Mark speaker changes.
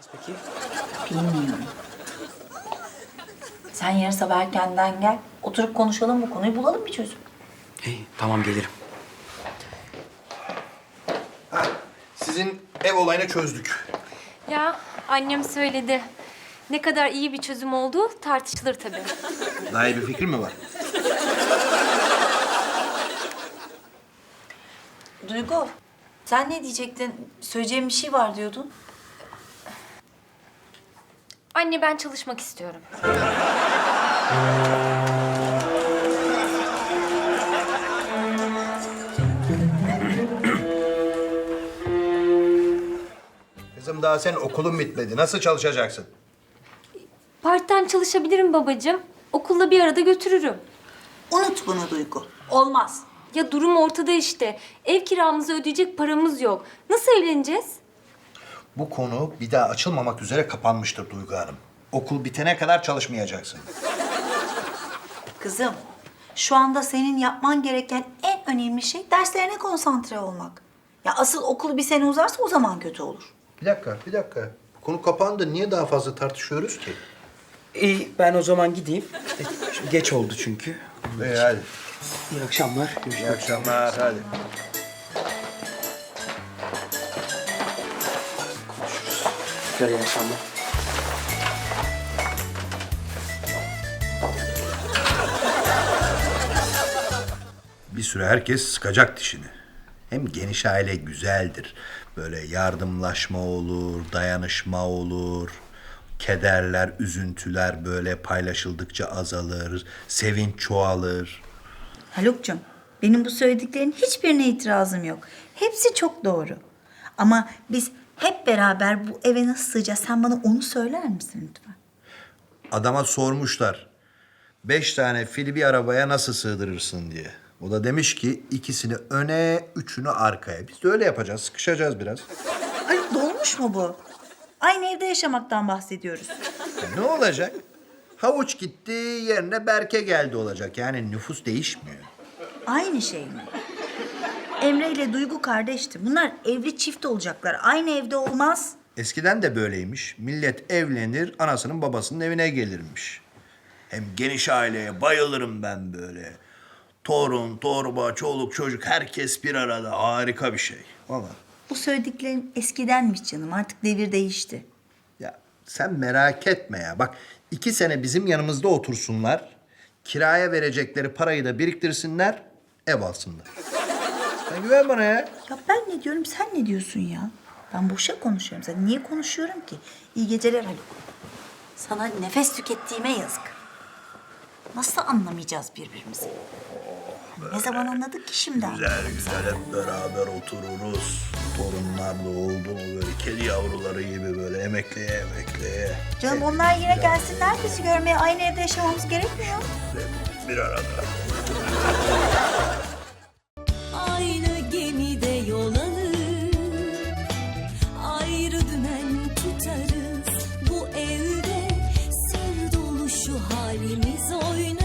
Speaker 1: Peki.
Speaker 2: Bilmiyorum. Sen yarın sabah erkenden gel. Oturup konuşalım bu konuyu, bulalım bir çözüm.
Speaker 1: Hey, tamam gelirim.
Speaker 3: Sizin ev olayını çözdük.
Speaker 4: Ya annem söyledi. Ne kadar iyi bir çözüm olduğu tartışılır tabii.
Speaker 3: Daha iyi bir fikir mi var?
Speaker 2: Duygu, sen ne diyecektin? Söyleyeceğim bir şey var diyordun.
Speaker 4: Anne ben çalışmak istiyorum.
Speaker 3: Kızım daha senin okulun bitmedi. Nasıl çalışacaksın?
Speaker 4: Part-time çalışabilirim babacığım. Okulla bir arada götürürüm.
Speaker 2: Unut bunu Duygu. Olmaz.
Speaker 4: Ya durum ortada işte. Ev kiramızı ödeyecek paramız yok. Nasıl evleneceğiz?
Speaker 3: Bu konu bir daha açılmamak üzere kapanmıştır Duygu Hanım. Okul bitene kadar çalışmayacaksın.
Speaker 2: Kızım, şu anda senin yapman gereken en önemli şey derslerine konsantre olmak. Ya asıl okul bir sene uzarsa o zaman kötü olur.
Speaker 3: Bir dakika. Bu konu kapandı. Niye daha fazla tartışıyoruz ki?
Speaker 1: İyi, ben o zaman gideyim. Şimdi geç oldu çünkü.
Speaker 3: İyi hadi.
Speaker 1: İyi akşamlar.
Speaker 3: İyi
Speaker 1: Görüşmek
Speaker 3: akşamlar. Hadi.
Speaker 1: üzere. İyi akşamlar.
Speaker 3: Bir süre herkes sıkacak dişini. Hem geniş aile güzeldir. Böyle yardımlaşma olur, dayanışma olur. Kederler, üzüntüler böyle paylaşıldıkça azalır. Sevinç çoğalır.
Speaker 2: Haluk'cum, benim bu söylediklerin hiçbirine itirazım yok. Hepsi çok doğru. Ama biz hep beraber bu eve nasıl sığacağız? Sen bana onu söyler misin lütfen?
Speaker 3: Adama sormuşlar. 5 tane fili bir arabaya nasıl sığdırırsın diye. O da demiş ki ikisini öne, üçünü arkaya. Biz de öyle yapacağız, sıkışacağız biraz.
Speaker 2: Ay dolmuş mu bu? Aynı evde yaşamaktan bahsediyoruz.
Speaker 3: Ne olacak? Havuç gitti, yerine Berke geldi olacak. Yani nüfus değişmiyor.
Speaker 2: Aynı şey mi? Emre ile Duygu kardeşti. Bunlar evli çift olacaklar. Aynı evde olmaz.
Speaker 3: Eskiden de böyleymiş. Millet evlenir, anasının babasının evine gelirmiş. Hem geniş aileye bayılırım ben böyle. Torun, torba, çoluk, çocuk herkes bir arada. Harika bir şey. Vallahi.
Speaker 2: Bu söylediklerin eskidenmiş canım. Artık devir değişti.
Speaker 3: Ya sen merak etme ya. Bak 2 sene bizim yanımızda otursunlar. Kiraya verecekleri parayı da biriktirsinler. Ev alsınlar. Sen güven bana ya.
Speaker 2: Ya ben ne diyorum, sen ne diyorsun ya? Ben boşa konuşuyorum zaten. Niye konuşuyorum ki? İyi geceler Haluk. Sana nefes tükettiğime yazık. Nasıl anlamayacağız birbirimizi? Ne zaman anladık ki şimdi?
Speaker 3: Güzel hep beraber otururuz. Torunlar da oldu mu böyle kedi yavruları gibi böyle emekleye.
Speaker 2: Canım onlar yine gelsinler bizi görmeye. Aynı evde yaşamamız gerekmiyor.
Speaker 3: Bir arada.
Speaker 5: Aynı gemide yol alır, ayrı dümen tutarız. Bu evde sır dolu şu halimiz oynar.